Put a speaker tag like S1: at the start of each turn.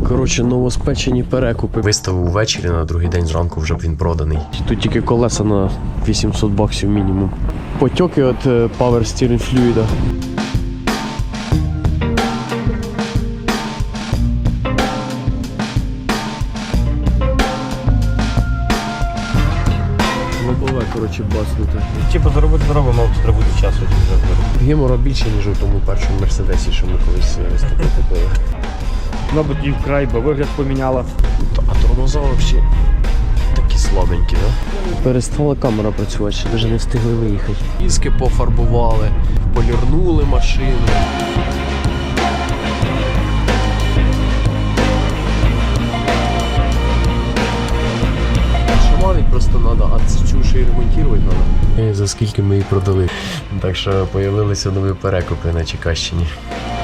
S1: Коротше, новоспечені перекупи.
S2: Виставив ввечері, на другий день зранку вже б він проданий.
S1: Тут тільки колеса на 800 баксів мінімум. Потьоки від Power Steering Fluid. Лобове, коротше, баснуте.
S3: Типу заробити зробимо, але треба буде часу.
S1: Гемора більше, ніж у тому першому Мерседесі, що ми колись виставку купили.
S3: Мабуть, і вкрай, бо вигляд поміняла.
S2: А тормоза взагалі такі слабенькі, да?
S1: Перестала камера працювати, ще навіть не встигли виїхати. Іски пофарбували, полірнули машину. Шаманить просто треба, а цю ще й ремонтувати треба.
S2: За скільки ми її продали. Так що появилися нові перекупи на Чекащині.